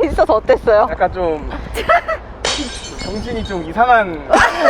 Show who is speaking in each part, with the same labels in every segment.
Speaker 1: 있어서 어땠어요?
Speaker 2: 약간 좀 정신이 좀 이상한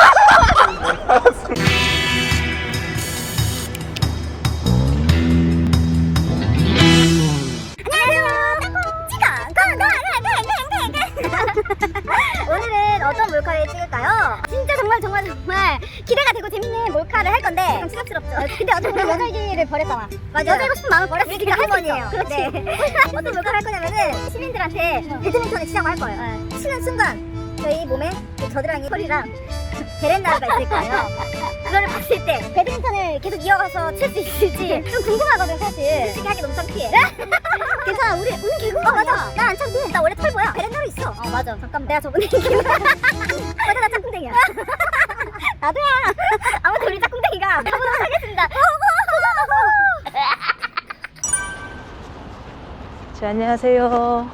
Speaker 3: 오늘은 어떤 몰카를 찍을까요? 진짜 정말 기대가 되고 재밌는 몰카를 할 건데 좀 추잡스럽죠. 근데 어차피 우리 여자이기를 버렸잖아. 맞아. 여자이고 싶은 마음을 버렸으니까 할 거예요. 네. 어떤 몰카를 할 거냐면은 시민들한테 배드민턴을 치자고 할 거예요. 치는 순간 저희 몸에 겨드랑이 털이랑 베렌나루가 있을 거예요. 그거를 봤을 때 배드민턴을 계속 이어가서 칠 수 있을지 좀 궁금하거든 사실. 솔직히 하기 너무 창피해. 괜찮아, 우리 운 개그가 맞아. 나 안 창피해. 나 원래 털 보여. 베렌나루 있어. 맞아. 잠깐만, 내가 저번에 얘기했나? 맞아, 나 짝꿍댕이야. 나도야. 아무튼 우리 짝꿍댕이가 가보도록 하겠습니다.
Speaker 1: 네, 안녕하세요.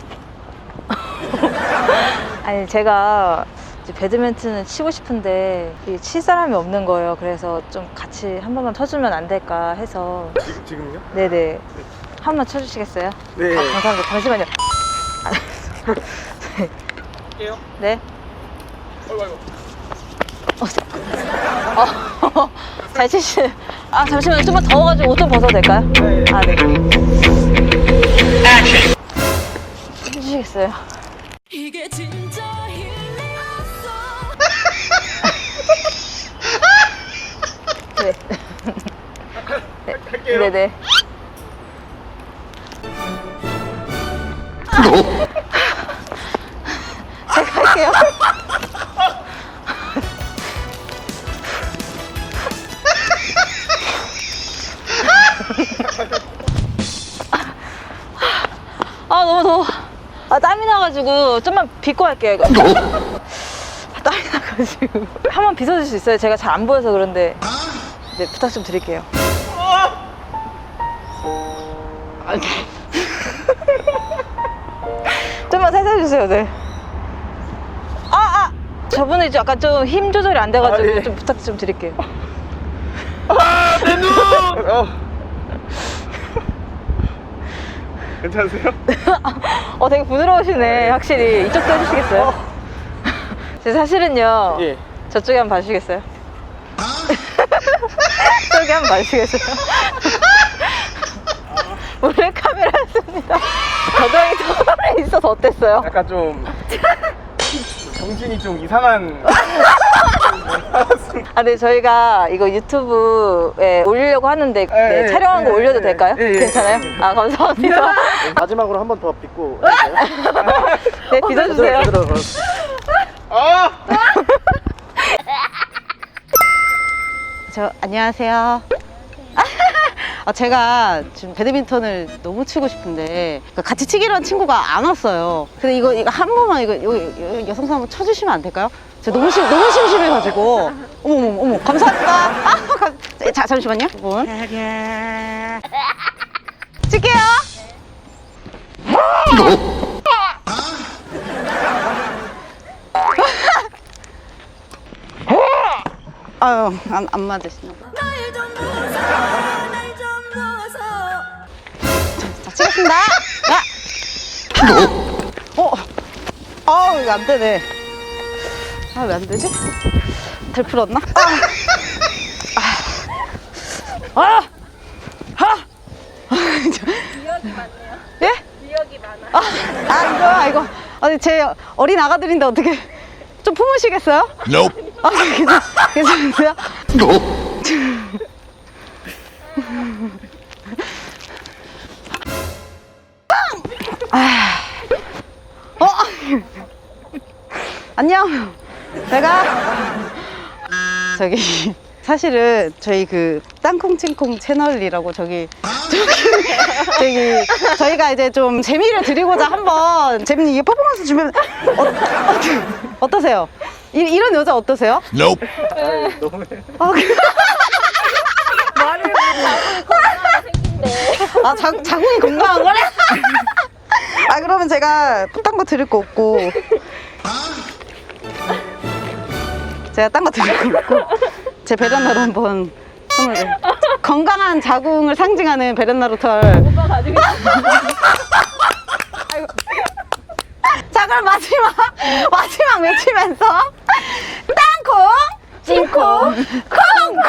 Speaker 1: 아니, 제가 이제 배드민턴을 치고 싶은데 칠 사람이 없는 거예요. 그래서 좀 같이 한 번만 쳐주면 안 될까 해서.
Speaker 2: 지금요?
Speaker 1: 네네. 한 번 쳐주시겠어요?
Speaker 2: 네.
Speaker 1: 아, 감사합니다. 잠시만요.
Speaker 2: 할게요.
Speaker 1: 네.
Speaker 2: 아이고.
Speaker 1: 잘 치시. 아, 잠시만요. 좀만 더워가지고 옷 좀 벗어도 될까요?
Speaker 2: 네.
Speaker 1: 아, 네. 해주시겠어요?
Speaker 4: 이게 진짜 힐링이었어.
Speaker 1: 네.
Speaker 2: 할게요.
Speaker 1: 네네. 제가 할게요. 아, 너무 더워. 아, 땀이 나가지고 좀만 빗고 할게요, 이거. 아, 땀이 나가지고. 한번 빗어줄 수 있어요? 제가 잘 안 보여서 그런데. 네, 부탁 좀 드릴게요. 좀만 살살 주세요, 네. 저분은 이제 약간 좀 힘 조절이 안 돼가지고
Speaker 2: 아, 예.
Speaker 1: 좀 부탁 좀 드릴게요.
Speaker 2: 내 눈! 괜찮으세요?
Speaker 1: 되게 부드러우시네, 확실히. 이쪽도 해주시겠어요? 제 사실은요,
Speaker 2: 예.
Speaker 1: 저쪽에 한번 봐주시겠어요? 저기 한번 봐주시겠어요? 몰래 카메라였습니다. 겨드랑이 털에 있어서 어땠어요?
Speaker 2: 약간 좀 정신이 좀 이상한
Speaker 1: 아, 네, 저희가 이거 유튜브에 올리려고 하는데 네, 촬영한 거 올려도 될까요? 괜찮아요? 아, 감사합니다.
Speaker 5: 마지막으로 한 번 더 빗고
Speaker 1: 네, 빗어주세요. 안녕하세요. 제가 지금 배드민턴을 너무 치고 싶은데 같이 치기로 한 친구가 안 왔어요. 근데 이거 한 번만 여기 여성분 한번 쳐주시면 안 될까요? 제가 너무 심심해가지고. 어머 감사합니다. 자, 잠시만요. 분. 칠게요. 아유, 안 맞으시나 봐. 자, 치겠습니다. 이거 안 되네. 왜 안 되지? 덜 풀었나?
Speaker 3: 기억이 많네요.
Speaker 1: 예?
Speaker 3: 기억이 많아.
Speaker 1: 이거. 아니, 제 어린 아가들인데 어떻게 좀 품으시겠어요?
Speaker 5: Nope.
Speaker 1: 괜찮으세요? 안녕. 제가 사실은 저희 그 땅콩칭콩 채널이라고 저희가 이제 좀 재미를 드리고자 한번 재밌는 퍼포먼스 주면 어떠세요? 이런 여자 어떠세요?
Speaker 5: Nope.
Speaker 3: 말을 건강하게 생긴데.
Speaker 1: 자궁이 건강한 거래? 그러면 제가 딴 거 드릴 거 없고. 제가 딴 거 드릴 거 없고. 제 베란나로 한번 선물을. 건강한 자궁을 상징하는 베란나로 털.
Speaker 3: 오빠 가지고 있어.
Speaker 1: 그럼 마지막 외치면서 땅콩, 찐콩, 콩!